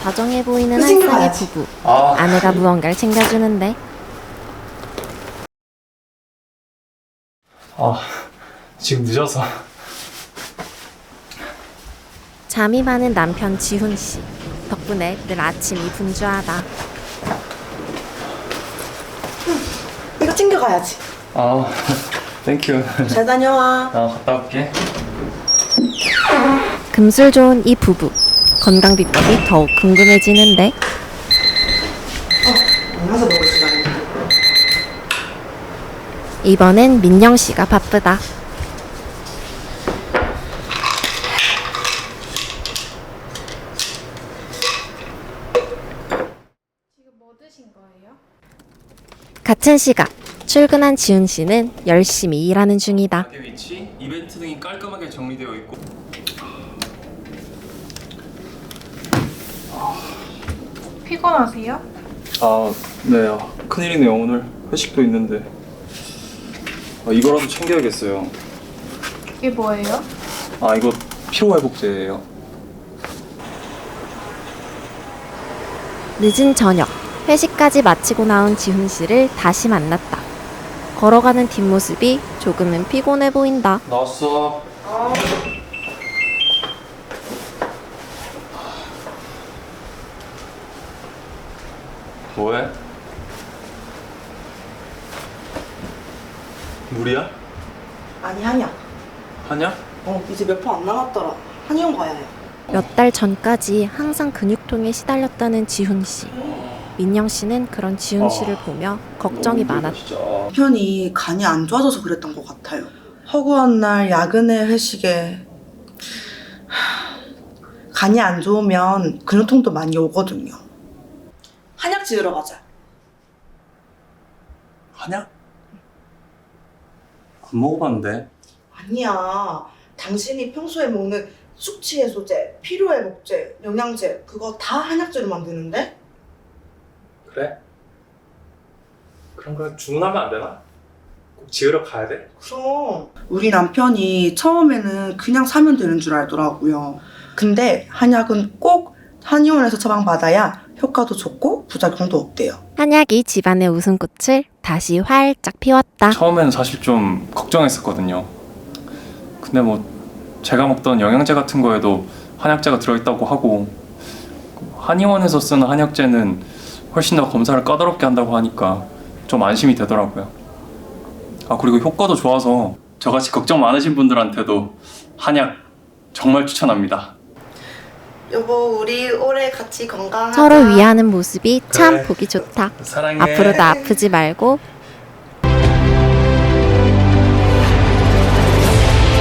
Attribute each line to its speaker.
Speaker 1: 다정해 보이는 한 쌍의 부부. 아내가 무언가를 챙겨주는데.
Speaker 2: 지금 늦어서.
Speaker 1: 잠이 많은 남편 지훈 씨. 덕분에 늘 아침이 분주하다.
Speaker 3: 이거 챙겨가야지.
Speaker 2: 땡큐.
Speaker 3: 잘 다녀와.
Speaker 2: 갔다 올게.
Speaker 1: 금술 좋은 이 부부. 건강 비법이 더욱 궁금해지는데.
Speaker 3: 만나서 먹을 시간이네.
Speaker 1: 이번엔 민영 씨가 바쁘다. 같은 시각 출근한 지훈 씨는 열심히 일하는 중이다.
Speaker 2: 가게 위치, 이벤트 등이 깔끔하게 정리되어 있고.
Speaker 4: 피곤하세요?
Speaker 2: 네. 큰일이네요. 오늘 회식도 있는데. 이거라도 챙겨야겠어요.
Speaker 4: 이게 뭐예요?
Speaker 2: 이거 피로회복제예요.
Speaker 1: 늦은 저녁 회식까지 마치고 나온 지훈 씨를 다시 만났다. 걸어가는 뒷모습이 조금은 피곤해 보인다.
Speaker 2: 나왔어. 뭐해? 물이야?
Speaker 3: 아니, 한약.
Speaker 2: 하냐?
Speaker 3: 이제 몇 번 안 남았더라. 한의원 가야 해.
Speaker 1: 몇 달 전까지 항상 근육통에 시달렸다는 지훈 씨. 민영 씨는 그런 지훈 씨를 보며 걱정이 많았다.
Speaker 3: 남편이 간이 안 좋아져서 그랬던 것 같아요. 허구한 날 야근에 회식에 간이 안 좋으면 근육통도 많이 오거든요. 한약 지으러 가자.
Speaker 2: 하냐? 안 먹어봤는데.
Speaker 3: 아니야. 당신이 평소에 먹는 숙취 해소제, 피로회복제, 영양제 그거 다 한약재로 만드는데?
Speaker 2: 그래? 그럼 그냥 주문하면 안 되나? 꼭 지으러 가야 돼?
Speaker 3: 그럼 우리 남편이 처음에는 그냥 사면 되는 줄 알더라고요. 근데 한약은 꼭 한의원에서 처방받아야 효과도 좋고 부작용도 없대요.
Speaker 1: 한약이 집안의 웃음꽃을 다시 활짝 피웠다.
Speaker 2: 처음에는 사실 좀 걱정했었거든요. 근데 제가 먹던 영양제 같은 거에도 한약재가 들어있다고 하고, 한의원에서 쓰는 한약재는 훨씬 더 검사를 까다롭게 한다고 하니까 좀 안심이 되더라고요. 그리고 효과도 좋아서 저같이 걱정 많으신 분들한테도 한약 정말 추천합니다.
Speaker 3: 여보, 우리 올해 같이 건강하자.
Speaker 1: 서로 위하는 모습이 참
Speaker 2: 그래.
Speaker 1: 보기 좋다.
Speaker 2: 사랑해.
Speaker 1: 앞으로도 아프지 말고